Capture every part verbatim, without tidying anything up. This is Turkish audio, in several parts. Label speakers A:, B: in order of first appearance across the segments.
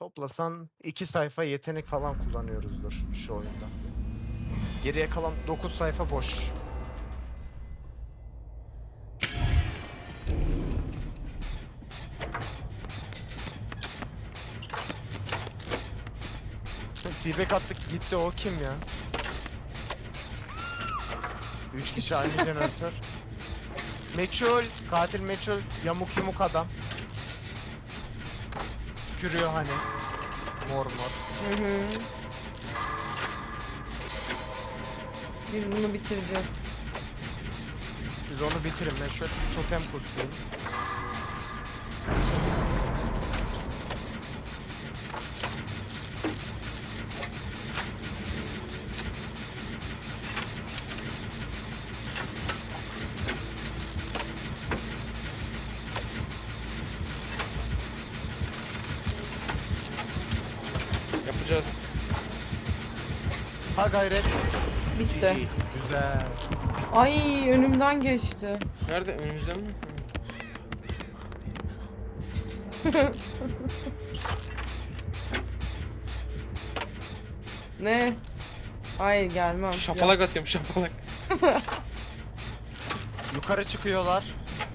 A: Toplasan iki sayfa yetenek falan kullanıyoruzdur şu oyunda. Geriye kalan dokuz sayfa boş. T-Bag attık gitti, o kim ya? Üç kişi aynı jeneratör. Meçhul, katil meçhul, yamuk yumuk adam. Tükürüyor hani. Mor mor.
B: Hı hı. Biz bunu bitireceğiz.
A: Siz onu bitirin, ben şöyle bir totem kurtayım.
C: Yapacağız.
A: Ha gayret.
B: Bitti.
C: G G.
A: Güzel.
B: Ay önümden geçti.
C: Nerede? Önümüzde mi?
B: Ne? Hayır gelmem.
C: Şapalak atıyorum, şapalak.
A: Yukarı çıkıyorlar.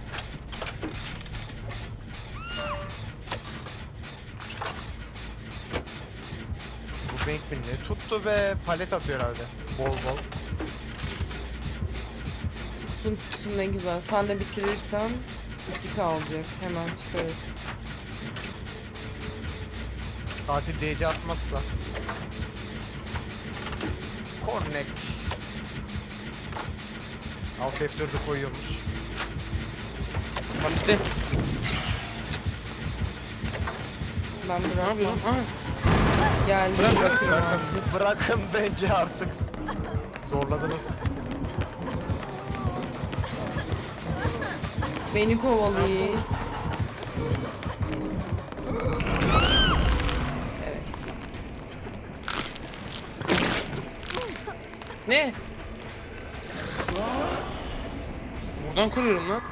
A: Bu Bankman ne tuttu ve palet atıyor herhalde. Bol bol.
B: Tutsun tutsun ne güzel. Sen de bitirirsen iki kalacak. Hemen çıkarız.
A: Tatil D C atmazsa. Connect. Alt F dördü koyuyormuş.
C: Tam bizde.
B: Ben
C: Ne
B: bırakmam.
C: yapıyorsun? Aha.
B: Geldi.
C: Bırak, bırak,
B: bırakın
A: Bırakın,
B: artık.
A: bırakın bence artık. Zorladınız.
B: Beni kovalıyor. Evet.
C: Ne? Buradan kuruyorum lan.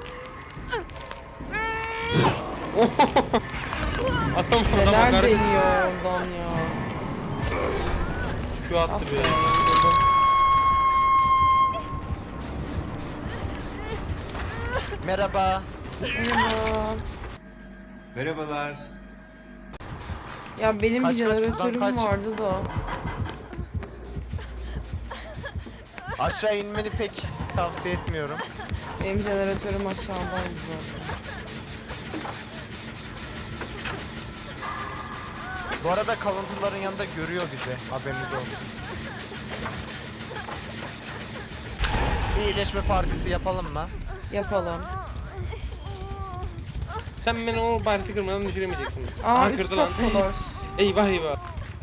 C: Adam adam
B: Neler
C: hakaret etti.
B: deniyor oradan ya.
C: Şu attı
B: Ah
C: be.
B: be, yoruldum.
A: Merhaba.
B: Merhaba.
D: Merhabalar.
B: Ya benim bir
A: Kaç, kaç, buradan
B: jeneratörüm
A: kaç.
B: vardı da.
A: Aşağı inmeni pek tavsiye etmiyorum.
B: Benim jeneratörüm aşağıdaydı zaten.
A: Bu arada kalıntıların yanında görüyor bizi. Haberiniz olsun. Bir iyileşme partisi yapalım mı?
B: Yapalım.
C: Sen beni o barisi kırmadan düşüremeyeceksin.
B: Aa
C: Aha
B: üst
C: kırdı lan.
B: kattalar.
C: Eyvah eyvah.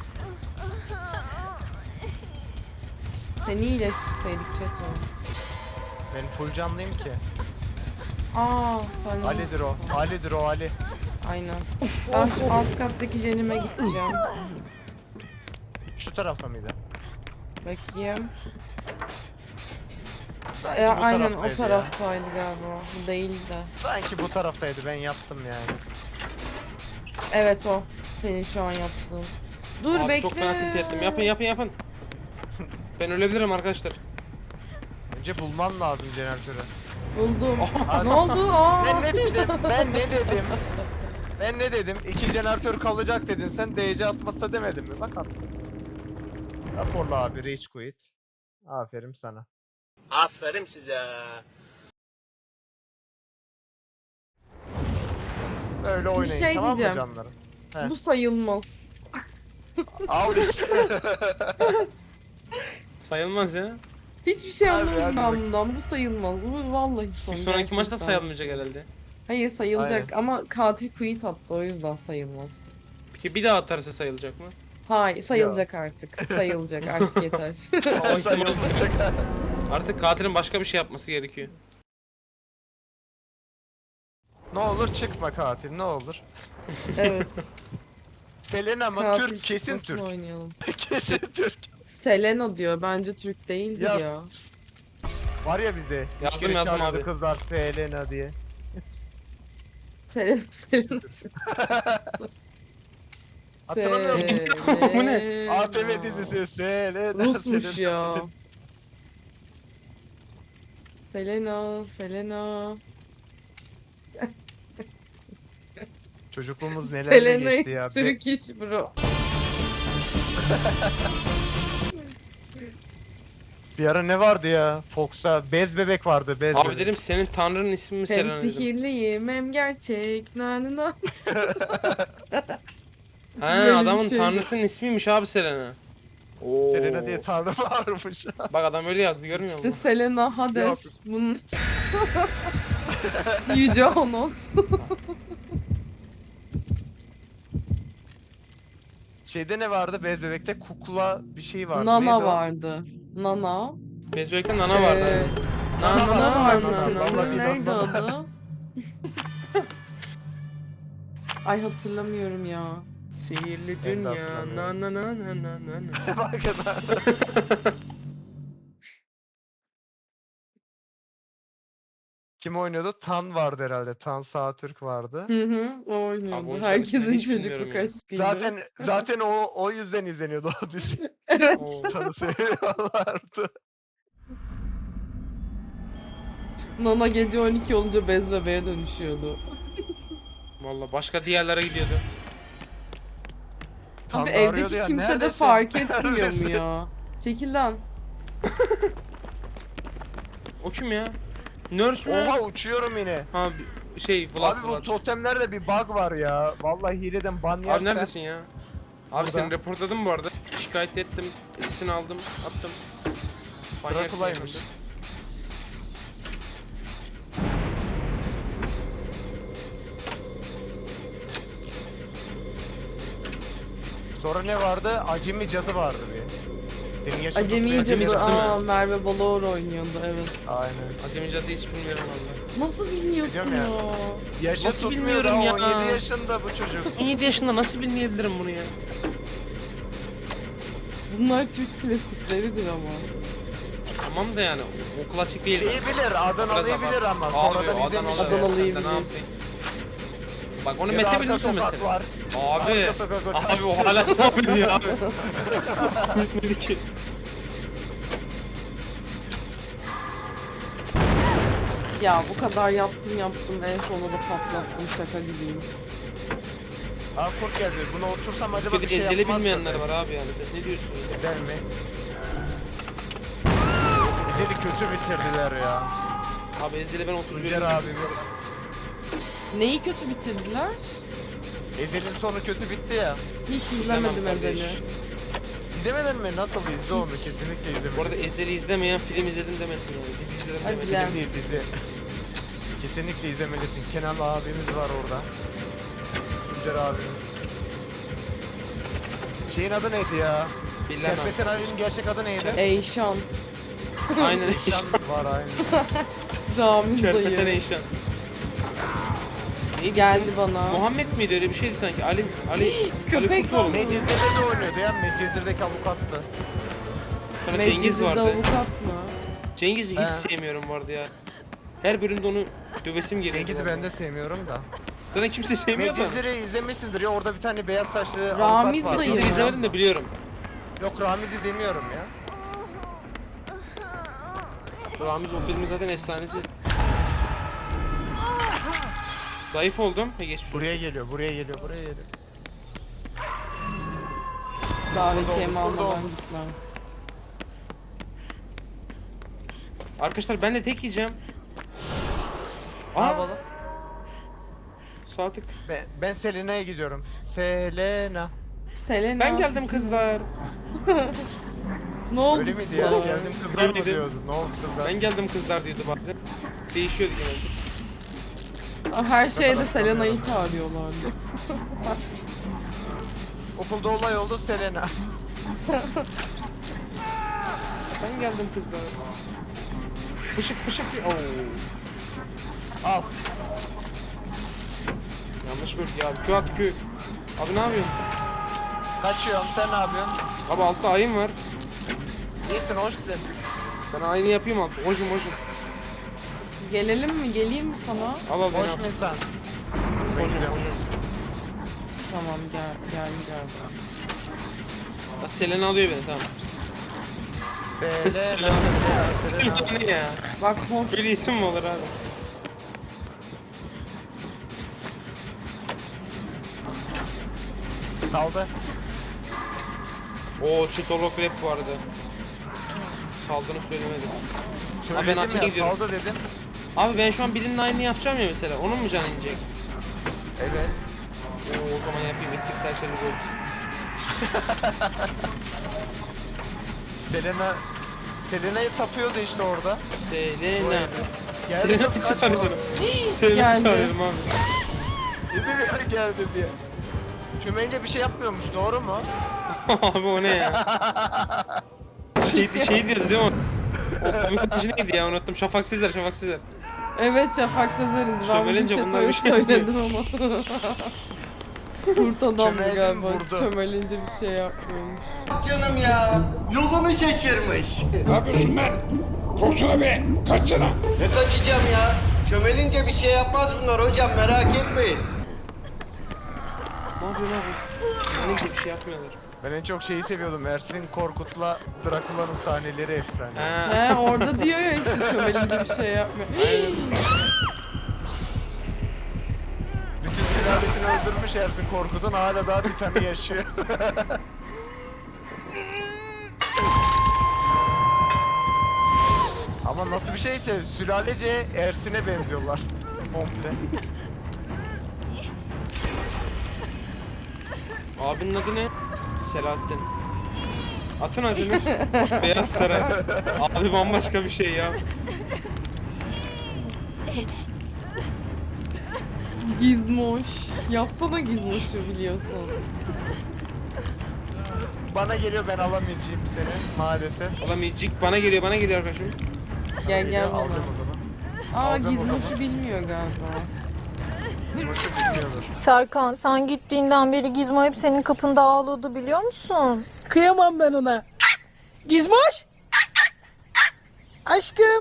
B: Seni iyileştirseydik Çeto.
A: Ben full canlıyım ki.
B: Aa sen
A: Ali'dir
B: iyisin,
A: o.
B: tamam.
A: Ali'dir o Ali.
B: Aynen.
C: Of
B: Ben
C: of
B: şu
C: of.
B: alt kattaki jenime gideceğim.
A: Şu tarafta mıydı?
B: Bakayım.
A: Sanki
B: E,
A: bu
B: aynen o
A: taraftaydı ya.
B: taraftaydı galiba. Bu değil de.
A: Sanki bu taraftaydı, ben yaptım yani.
B: Evet o. Senin şu an yaptığın. Dur
C: Abi
B: bekle.
C: çok fena tilt ettim. Yapın yapın yapın. Ben ölebilirim arkadaşlar.
A: Önce bulman lazım jeneratörü.
B: Buldum.
A: Aa,
B: Ne oldu? Aa.
A: Ben ne dedim? Ben ne dedim? Ben ne dedim? İki jeneratör kalacak dedin. Sen D C atmazsa demedin mi? Bak attım. Raporla abi, rage quit. Aferin sana.
E: Aferin size.
A: Öyle oynayın,
B: şey
A: tamam mı
B: diyeceğim.
A: canlarım? Heh.
B: Bu sayılmaz.
A: Al işte.
C: Sayılmaz ya.
B: Hiçbir şey
A: Hadi, hadi
B: anlamadım ben
A: bak.
B: bundan. Bu sayılmaz. Bu vallahi son.
C: Bir sonraki maçta
B: Gerçekten
C: sayılmayacak
B: son.
C: herhalde.
B: Hayır sayılacak
A: Aynen.
B: ama katil quit attı o yüzden sayılmaz.
C: Peki bir daha atarsa sayılacak mı?
B: Hayır
A: Ya.
B: sayılacak artık. Sayılacak artık yeter.
C: O ihtimal-
A: Sayılmayacak.
C: Artık katilin başka bir şey yapması gerekiyor.
A: Ne olur çıkma katil, ne olur.
B: Evet.
A: Selena ama
B: Katil
A: Türk, kesin
B: çıkmasını
A: Türk.
B: oynayalım.
A: Kesin Türk.
B: Selena diyor. Bence Türk değildir
A: Yaz.
B: ya.
A: Var ya bizde. Üç
C: Yazdım,
A: kere
C: yazdım
A: çağırıyordu
C: abi.
A: kızlar Selena diye.
B: Selena, Selena.
A: Hatırlamıyor musun?
C: Bu ne?
A: A T V dizisi Selena.
B: Rusmuş
A: Selena,
B: ya.
A: Selena.
B: Selena, Selena.
A: Çocukluğumuz nelerle
B: Selena
A: geçti
B: is
A: ya. Be-
B: Turkish bro.
A: bir ara ne vardı ya? Fox'a bez bebek vardı, bez
C: Abi
A: bebek.
C: dedim senin tanrının ismi mi
B: Hem
C: Selena dedim.
B: sihirliyim hem gerçek. Na na na.
C: He
B: Böyle bir
C: adamın
B: şeydi.
C: tanrısının ismiymiş abi Selena. Oo.
A: Selena diye tanrı varmış.
C: Bak adam öyle yazdı görmüyor
B: İşte
C: musun?
B: Selena Hades. Bunun Yüce Honos.
A: Şeyde ne vardı bez bebekte? Kukla bir şey vardı.
B: Nana
A: Neydi o?
B: vardı. Nana.
C: Bezbek'te nana vardı.
B: Ee,
C: Nana
A: Nana
B: Nana
A: vardı,
B: vardı.
A: Nana,
B: Kızın
A: vallahi değil,
B: neydi
A: Nana.
B: adı? Ay hatırlamıyorum ya.
C: Sihirli
A: Ben de
C: dünya
A: hatırlamıyorum.
C: na na na na na na na.
A: Bakın. Kim oynuyordu? Tan vardı herhalde. Tan Sağtürk vardı.
B: Hı hı, o
C: Abi
B: oynuyordu.
C: oyuncuların isimlerini
B: Herkesin
C: hiç bilmiyorum
B: çocukluk
C: ya.
B: aşkıydı.
A: Zaten zaten o o yüzden izleniyordu o dizi.
B: Evet.
C: Oo.
A: Tanı seviyorlardı.
B: Nana gece on iki olunca bez bebeğe dönüşüyordu.
C: Valla başka diğerlere gidiyordu.
A: Tan
B: Abi
A: da arıyordu
B: evdeki
A: ya,
B: kimse de
A: "Neredesin?
B: fark etmiyor mu
A: Neredesin?"
B: ya? Çekil lan.
C: O kim ya? Nurse mü?
A: Oha uçuyorum yine.
C: Ha bir- şey Vlad
A: Abi bu
C: Vlad.
A: totemlerde bir bug var ya. Vallahi hileden ban yersen.
C: Abi neredesin ya? Abi
A: Burada.
C: seni reportladım bu arada. Şikayet ettim. Sesini aldım. Attım. Banyarsın
A: Drakula'ymış.
C: yakında.
A: Sonra ne vardı? Acemi cadı vardı bir. Senin yaşın
B: Acemi
A: tutmuyor.
C: Acemi
B: cadı.
C: Cadı mı?
B: Aa, Merve Balaor oynuyordu evet.
A: Aynen.
C: Acemi Cadı hiç bilmiyorum valla.
B: Nasıl bilmiyorsun
A: diyorum
B: ya?
A: ya. Yaşı
C: Nasıl
A: tutmuyor
C: bilmiyorum
A: daha,
C: ya?
A: on yedi yaşında bu çocuk.
C: on yedi yaşında nasıl bilmeyebilirim bunu ya?
B: Bunlar Türk klasikleridir ama.
C: Tamam da yani o, o klasik değil.
A: Şeyi bilir, Adanalı'yı
C: Biraz
A: bilir ama
C: Abi,
A: sonradan
C: Adanalı-
A: izlemiş.
B: Adanalı'yı
C: Sen de ne
B: bilir.
C: yapayım? Bak onu
A: Ya da
C: Mete
A: arka
C: bilirse mesela.
A: sokaklar.
C: Abi,
A: Arka sokaklar.
C: abi o hala devam ediyor abi. Bitmedi ki.
B: Ya bu kadar yaptım yaptım en sonunda da patlattım şaka gibiyim.
A: Aa kurt geldi. Buna otursam acaba
C: Bir
A: bir
C: de
A: şey
C: ezeli
A: yapmaz mı?
C: bilmeyenler var abi yani sen ne diyorsun ya?
A: Güzel mi? Ezeli kötü bitirdiler ya.
C: Abi ezeli ben otuz
A: Tuncer
C: veriyorum.
A: abimiz.
B: Neyi kötü bitirdiler?
A: Ezel'in sonu kötü bitti ya.
B: Hiç
C: İzlemem
B: izlemedim
C: kardeş.
B: Ezel'i.
A: İzlemedin mi? Nasıl izle onu?
B: Hiç.
A: Kesinlikle izle.
C: Bu arada ezeli izlemeyen film izledim demesin yani. Dizi izledim
B: Hadi
C: demesin.
B: lan.
A: Film değil dizi. Kesinlikle izlemelisin. Kenan abimiz var orada. Tuncer abimiz. Şeyin adı neydi ya?
C: Bilemem.
A: Serpet'in abinin gerçek adı neydi?
B: Eyşan.
C: Aynen
A: Eşan
C: Eyşan.
A: var aynı.
B: Ramiz
C: Kerpeten
B: dayı.
C: Eyşan. Neydi
B: Geldi
C: ismi?
B: bana.
C: Muhammed miydi öyle bir şeydi sanki? Ali Ali
B: Köpek
C: Ali Kurtoğlu mu?
B: balığı.
A: Mecizir'de de oynuyordu ya. Mecizir'deki avukattı.
C: Sonra Cengiz
B: Medcezir'de
C: vardı.
B: avukat mı?
C: Cengiz'i hiç
A: He.
C: sevmiyorum bu arada ya. Her bölümde onu dövesim geliyor.
A: Cengiz'i ben de sevmiyorum da.
C: Zaten kimse sevmiyor da.
A: Mecizir'i izlemişsindir ya. Orada bir tane beyaz saçlı
B: Ramiz
A: avukat var.
B: dayı.
C: Cengiz'i izlemedim de biliyorum.
A: Yok Ramiz'i demiyorum ya.
C: Ramiz o filmin zaten efsanesi. Zayıf oldum. He geçmiş olsun.
A: Buraya geliyor, buraya geliyor, buraya geliyor.
B: Davetiyemi
A: Burada oldu, burada
B: almadan
A: oldu.
B: gitmem.
C: Arkadaşlar ben de tek yiyeceğim.
A: Ne
C: Aa,
A: yapalım?
C: sağ tık.
A: Ben, ben Selena'ya gidiyorum. Selena.
B: Selena.
C: Ben geldim kızlar.
B: Ne oldu
A: Öyle miydi ya?
B: kızlar?
A: Geldim kızlar mı
C: Öyleydi.
A: diyordu? Ne oldu kızlar?
C: Ben geldim kızlar diyordu bazen. Değişiyordu genelde.
B: Aa, Her şeyde
A: kadar
B: Selena'yı
A: tanıyorum.
B: çağırıyorlardı.
A: Okulda olay oldu Selena.
C: Ben geldim kızlar. Fışık fışık. Oo.
A: Al.
C: Yanlış bölge abi. Q at Q. Abi ne yapıyorsun?
A: Kaçıyorum. Sen ne yapıyorsun?
C: Abi altta ayın var.
A: İyisin, hoşsun.
C: Ben aynı yapayım altı. Hocum hocum.
B: Gelelim mi? Geleyim mi sana?
C: Al al beni
A: Hoş
C: al.
A: mu insan?
C: Hocum
A: Bekliyorum.
C: hocum.
B: Tamam gel gel gel.
C: Bak Selena alıyor beni tamam.
A: Selena, Selena,
C: Selena ne ya?
B: Bak hoş.
C: Böyle isim mi olur abi?
A: Saldı.
C: Oo Çitolog rap vardı. Saldığını söylemedim. Abi ben
A: Söyledim
C: arkaya
A: ya,
C: gidiyorum.
A: saldı dedim.
C: Abi ben şu an birinin aynını yapacağım ya mesela. Onun mu canı inecek?
A: Evet.
C: Oo o zaman yapayım. İttik serseri boz.
A: Selena Selena'yı tapıyordu işte orada. O
C: Selena.
A: herif. Geldi
C: Selena'yı
A: kız, kaç
C: çağırıyorum.
A: oğlum.
C: Selena'yı
B: Geldi.
C: çağırıyorum abi.
A: Dedim ya geldi diye. Çömelince bir şey yapmıyormuş, doğru mu?
C: Abi o ne ya? Şeydi şey diyordu değil mi o? O komik oyuncu neydi ya unuttum. Şafak Sezer, Şafak Sezer.
B: Evet Şafak Sezer'in. Ben
C: Çömelince
B: bugün
C: bunlar
B: Çeto'ya
C: bir şey
B: söyledim onu. Kurt adamdı
A: Çömeldim,
B: galiba.
A: vurdu.
B: Çömelince bir şey yapmıyormuş.
E: Canım ya. Yolunu şaşırmış.
F: Ne yapıyorsun lan? Koşsana be! Kaçsana!
E: Ne kaçacağım ya? Çömelince bir şey yapmaz bunlar hocam merak etmeyin.
C: Ne yapıyorsun abi? Neyse bir şey yapmıyorlar.
A: Ben en çok şeyi seviyordum. Ersin Korkut'la Drakula'nın sahneleri efsane.
C: Ha.
B: He orada diyor ya işte çömelince bir şey yapmıyor.
A: Bütün sülalesini öldürmüş Ersin Korkut'un, hala daha bir tane yaşıyor. Ama nasıl bir şeyse sülalece Ersin'e benziyorlar. Komple.
C: Abinin adı ne? Selahattin. Atın adını. Beyaz Saray. Abi bambaşka bir şey ya.
B: Gizmoş. Yapsana Gizmoş'u biliyorsun.
A: Bana geliyor, ben alamayacağım seni maalesef.
C: Alamayacak bana geliyor bana geliyor arkadaşım.
B: Gel
A: Geliyor,
B: gel bana.
A: alacağım o zaman.
B: Aa
A: Alacağım o
B: Gizmoş'u
A: zaman.
B: bilmiyor galiba.
A: Boşu bilmiyordur.
G: Serkan sen gittiğinden beri Gizmo hep senin kapında ağlıyordu biliyor musun?
H: Kıyamam ben ona. Gizmoş. Aşkım.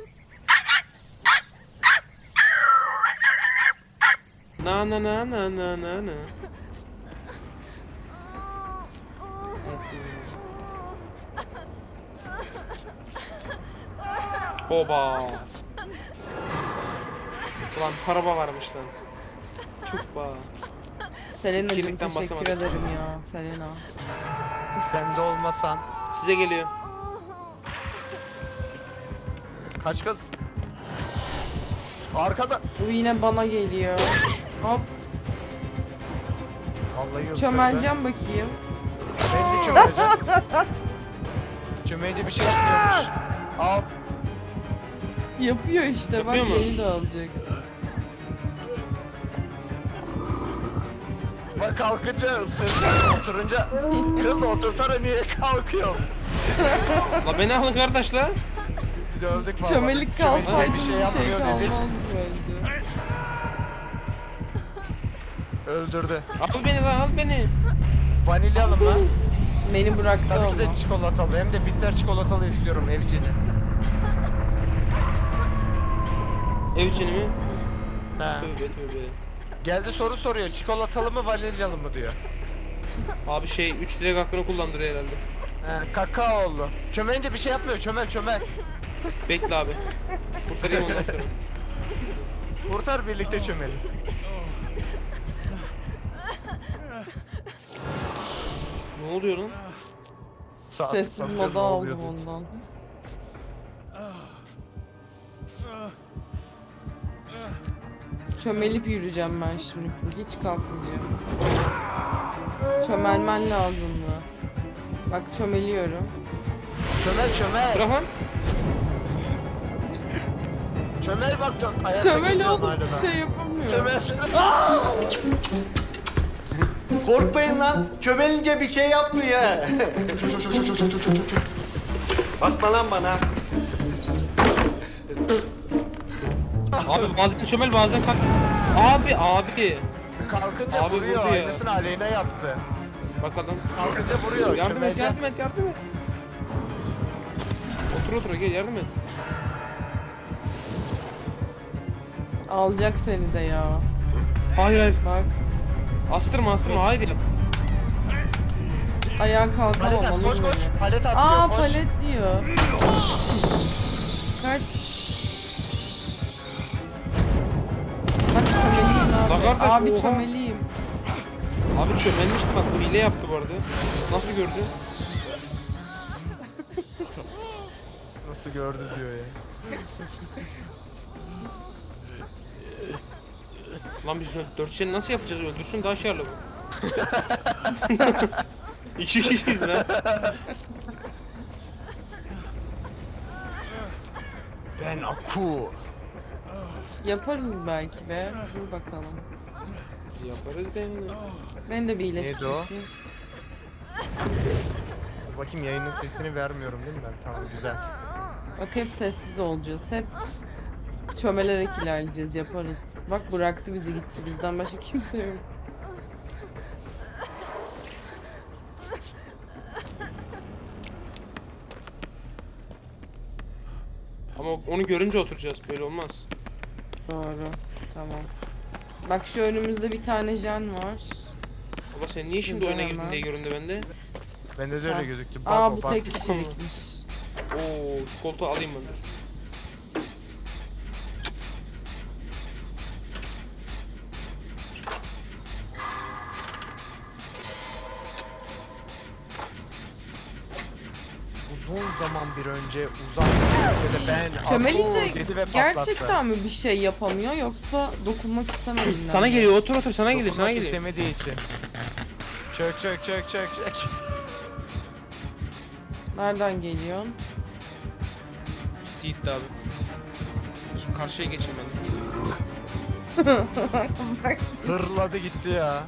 C: Na na na na na na na. Hoba. Ulan taraba varmış lan. Çok ba.
B: Selena'cığım
C: Kirlikten
B: teşekkür
C: basamadım.
B: ederim ya Selena.
A: Sen de olmasan.
C: Size geliyor.
A: Kaç kız? Arkada.
B: Bu yine bana geliyor. Hop.
A: Vallahi ısırdı.
B: Çömeleceğim bakayım.
A: Ben de çömeleceğim. Çömelince bir şey yapmıyormuş. Al.
B: Yapıyor işte bak
C: Yapıyor mu?
B: beni de alacak.
A: Bak kalkınca ısırdı. Oturunca kız otursana, niye kalkıyor?
C: La beni alın kardeş la.
A: Biz öldük vallahi.
B: Çömelik
A: Biz çömelince
B: kalsaydı
A: bir
B: bir
A: şey
B: şey,
A: yapmıyor dedik.
B: kalmazdı bence.
A: Öldürdü.
C: Al beni la al beni.
A: Vanilyalım lan.
B: Beni bıraktı
A: Tabii ki
B: ama.
A: de çikolatalı. Hem de bitter çikolatalı istiyorum evcini.
C: Ev içini mi?
A: Ha.
C: Tövbe tövbe.
A: Geldi soru soruyor. Çikolatalı mı vanilyalı mı diyor.
C: Abi şey üç direk hakkını kullandırıyor herhalde.
A: He, kakaolu. Çömelince bir şey yapmıyor. Çömel çömel.
C: Bekle abi. Kurtarayım ondan sonra.
A: Kurtar, birlikte çömelin.
C: Ne oluyor lan?
A: Saat
B: Sessiz
A: basıyor,
B: moda
A: ne
B: aldım
A: oluyordu?
B: ondan. Çömelip yürüyeceğim ben şimdi full. Hiç kalkmayacağım. Çömelmen lazım mı? Bak çömeliyorum.
A: Çömel çömel.
C: Bırak lan.
A: Çömel bak. dön- Ayakta
B: Çömel
A: geziyorsun
B: oğlum
A: hala
B: bir
A: da.
B: şey yapamıyorum.
A: Çömel çömel.
E: Korkmayın lan. Çömelince bir şey yapmıyor. Bakma lan bana.
C: Abi bazen çömel bazen kalk. Abi abi.
A: Kalkınca
C: Abi
A: vuruyor.
C: vurdu ya.
A: Aynısını Aleyna yaptı.
C: Bakalım.
A: Kalkınca vuruyor.
C: Yardım et
A: çömelce-
C: yardım et yardım et. Otur otur gel yardım et.
B: Alacak seni de ya.
C: Hayır hayır.
B: Bak.
C: Astırma astırma hayır ya.
B: Ayağa kalkamam
A: Palet at
B: olur
A: koş
B: mu?
A: koş. Palet at
B: Aa
A: diyor koş.
B: palet diyor. Kaç. Bak çömeliyim abi.
C: La kardeş,
B: Abi
C: oha.
B: çömeliyim.
C: Abi çömelmişti bak, bu hile yaptı bu arada. Nasıl gördü?
A: Nasıl gördü diyor ya.
C: Lan biz dört şeni nasıl yapacağız, öldürsün daha karlı bu. İki kişiyiz lan.
A: Ben Aku.
B: Yaparız belki be. Dur bakalım.
C: Yaparız da yani.
B: Ben de bir
A: Neydi
B: iyileştireyim.
A: o? Dur bakayım, yayının sesini vermiyorum değil mi ben? Tamam güzel.
B: Bak hep sessiz olacağız. Hep çömelerek ilerleyeceğiz. Yaparız. Bak bıraktı bizi gitti. Bizden başka kimse yok.
C: Ama onu görünce oturacağız, böyle olmaz.
B: Doğru. Tamam. Bak şu önümüzde bir tane jen var.
C: Baba sen niye şimdi
B: Şuradan
C: oyuna girdin
B: hemen.
C: diye göründü bende.
A: Bende de
B: Ha.
A: öyle gözüktü. Bak
B: Aa
A: o,
B: bu
A: bak.
B: tek kişilikmiş.
C: Oo, şu koltuğu alayım ben dur.
A: Uzun zaman bir önce uzak bir ülkede ben Aku
B: Çömelince
A: dedi ve patlattı.
B: gerçekten mi bir şey yapamıyor yoksa dokunmak istemediğinden
C: Sana
B: mi?
C: geliyor, otur otur, sana geliyor, sana
A: Dokunmak
C: geliyor.
A: istemediği için. Çök çök çök çök çök.
B: Nereden geliyorsun?
C: Gitti gitti abi. Şu karşıya geçeyim ben dur.
B: Bak.
A: Hırladı gitti ya.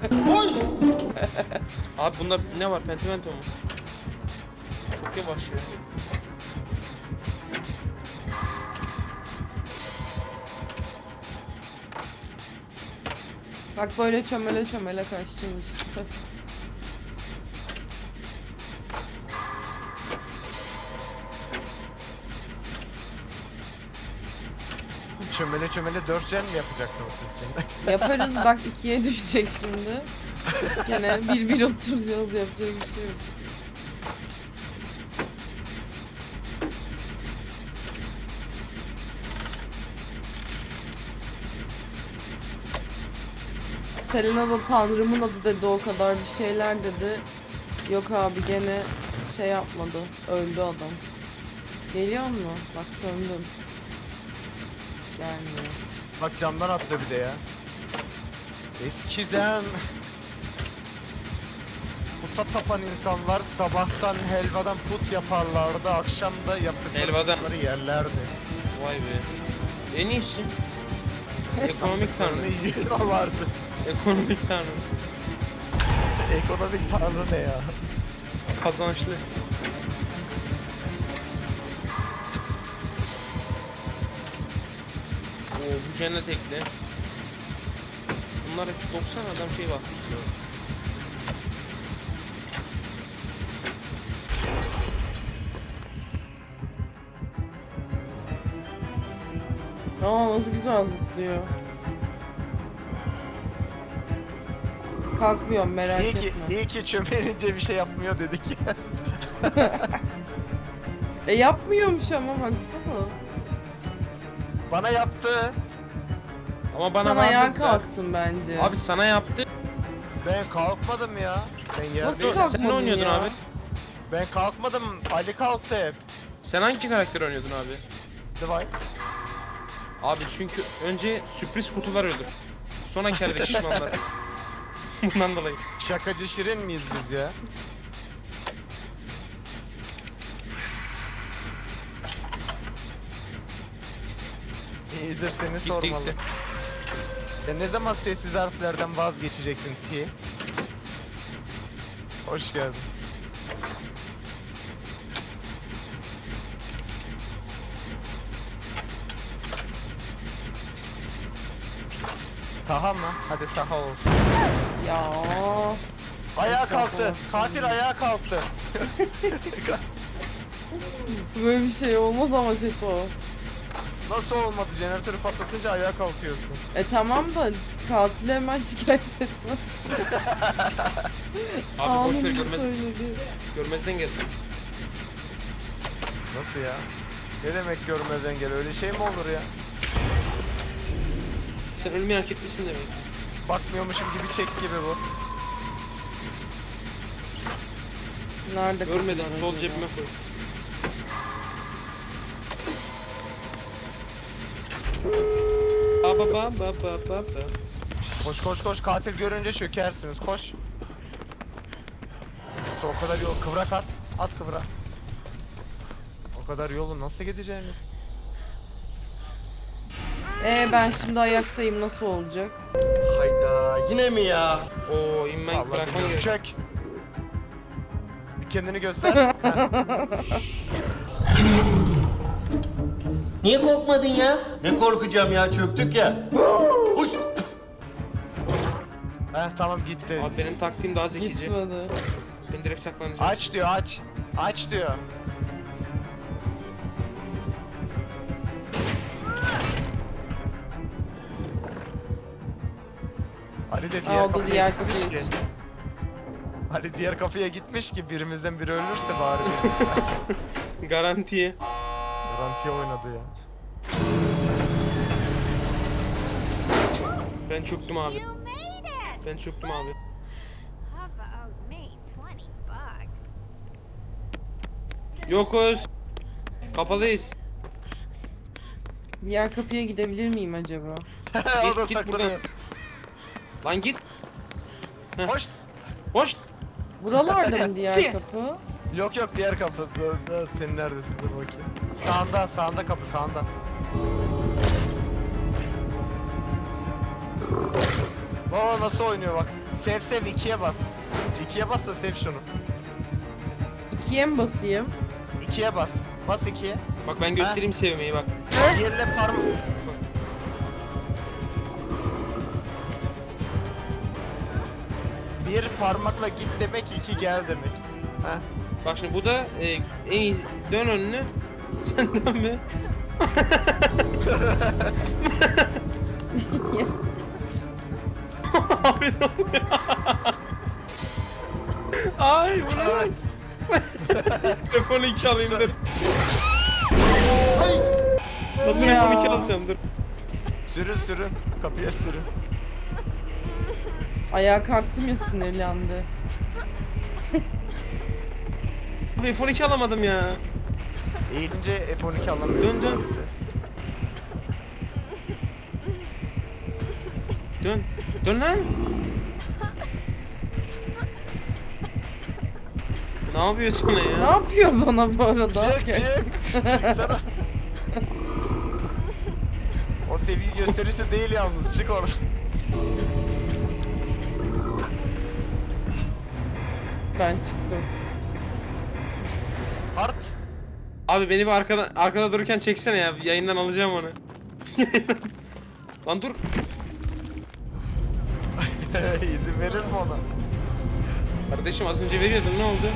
C: Abi bunda ne var, pentimento mu? Çok yavaş ya.
B: Bak böyle çömele çömele kaçacağız işte.
A: Çömele çömele dört gen mi yapacaksınız siz şimdi?
B: Yaparız bak ikiye düşecek şimdi. Gene bir bir oturacağız, yapacak bir şey yok. Selena da Tanrımın adı dedi, o kadar bir şeyler dedi. Yok abi gene şey yapmadı, öldü adam. Geliyor mu? Bak söndüm. Gelmiyor.
A: Bak camdan atlıyor bir de ya. Eskiden puta tapan insanlar sabahtan helvadan put yaparlardı, akşam da yaptıkları
C: Helvadan.
A: putları yerlerdi.
C: Vay be. En iyisi. Ekonomik tanrı.
A: Tanrı vardı.
C: Ekonomik tanrı.
A: Ekonomik tanrı ne ya?
C: Kazançlı. Oo bu cennet ekle. Bunlar hepsi doksan adam şey basmışlar.
B: Aa nasıl güzel zıplıyor. Kalkmıyorum merak
A: İyi ki,
B: etme.
A: iyi ki çömelince bir şey yapmıyor dedik ya.
B: E yapmıyormuş ama baksana.
A: Bana yaptı.
C: Ama bana
B: Sen
C: var
B: ayağa
C: dediler.
B: kalktın bence.
C: Abi sana yaptı.
A: Ben kalkmadım ya. Ben
B: Nasıl
A: yerdeyim.
B: kalk-
C: Sen ne oynuyordun
B: ya.
C: abi?
A: Ben kalkmadım. Ali kalktı hep.
C: Sen hangi karakter oynuyordun abi?
A: Divine.
C: Abi çünkü önce sürpriz kutular ölür. Sonra kelle şişmanlar. Bundan dolayı.
A: Şakacı şirin miyiz biz ya? İyidir seni
C: Gitti
A: sormalı.
C: gitti.
A: Sen ne zaman sessiz harflerden vazgeçeceksin T? Hoş geldin. Taha mı? Hadi Taha olsun.
B: Ya.
A: Ayağa
B: Çok
A: kalktı.
B: olsun.
A: Katil ayağa kalktı.
B: Böyle bir şey olmaz ama Çeto.
A: Nasıl olmadı? Jeneratörü patlatınca ayağa kalkıyorsun.
B: E tamam da katili hemen şikayet etme.
C: Abi boş ver
B: Anında
C: görmez,
B: söyledi.
C: görmezden geldi.
A: Nasıl ya? Ne demek görmezden gel? Öyle şey mi olur ya?
C: Sen ölmeyi hak etmişsin demek.
A: Bakmıyormuşum gibi çek gibi bu.
B: Nerede
C: Görmeden
B: kapılar
C: sol
B: acaba?
C: cebime koy. Ba ba ba ba ba ba ba.
A: Koş koş koş, katil görünce çökersiniz, koş. Nasıl o kadar yol, kıvrak at, at kıvrak. O kadar yolu nasıl gideceğiniz?
B: E ben şimdi ayaktayım, nasıl olacak?
E: Hayda yine mi ya?
C: Oo inmen
A: Vallahi
C: bırakman
A: bilmiyorum.
C: gerek.
A: Çök. Bir kendini göster. Heh.
H: Niye korkmadın ya?
E: Ne korkacağım ya çöktük ya. Huş.
A: Heh, tamam gitti.
C: Abi benim taktiğim daha zekice.
B: Gitmedi.
C: Ben direkt saklanacağım.
A: Aç diyor, aç. Aç diyor. Ali de diğer
B: Aa, o da
A: kapıya
B: diğer
A: gitmiş
B: kapıya
A: ki.
B: gitmiş.
A: Ali diğer kapıya gitmiş ki birimizden biri ölürse bari bir.
C: Garantiye.
A: Garantiye oynadı ya.
C: Ben çöktüm abi.
I: You made it!
C: Ben çöktüm abi.
I: Papa owes me twenty bucks.
C: Yokuz. Kapalıyız.
B: Diğer kapıya gidebilir miyim acaba?
A: O da
C: git buradan.
A: saklanıyor.
C: Lan git.
A: Hoş.
C: Hoş.
B: Buralarda mı diğer
C: Si.
B: kapı?
A: Yok yok, diğer kapı. Da- da- Senin neredesin, dur bakayım. Sağında, sağında kapı, sağında. Baba nasıl oynuyor bak. Sev sev, ikiye bas. ikiye bas da sev şunu.
B: İkiye mi basayım?
A: ikiye bas. Bas ikiye.
C: Bak ben göstereyim sevmeyi bak.
A: Diğerine parmak. Bir parmakla git demek, iki gel demek. Heh.
C: Bak şimdi bu da e, en iyi dön önüne. Sen dönme. Abi ne oluyor? Ay bu ne?
A: Ay.
C: Telefonu iki alayım dur.
E: Hay.
C: Lan
B: Ya.
C: telefonu iki alacağım dur.
A: Sürün sürün. Kapıya sürün.
B: Ayağa kalktım ya, sinirlendi.
C: Abi F on iki alamadım ya.
A: Eğilince F on iki alamıyorsun.
C: Dön, dön.
A: maalesef.
C: Dön. Dön lan. Ne yapıyorsun sana
B: Ne
C: ya?
B: yapıyor bana bu arada?
A: Çık çık. Çıksana. O seviyeyi gösterirse değil yalnız. Çık oradan.
B: Ben çıktım.
A: Hart.
C: Abi beni bir arkada arkada dururken çeksene ya. Yayından alacağım onu. Lan dur.
A: İzin verir mi ona?
C: Kardeşim az önce veriyordun, ne oldu?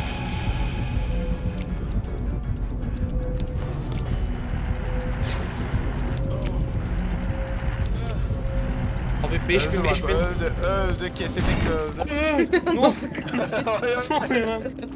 C: Abi beş bin
A: Öldü
C: beş
A: bak,
C: bin.
A: Öldü öldü kesinlikle öldü.
C: ne oldu?
A: Ay, ay.
C: Ne oluyor lan?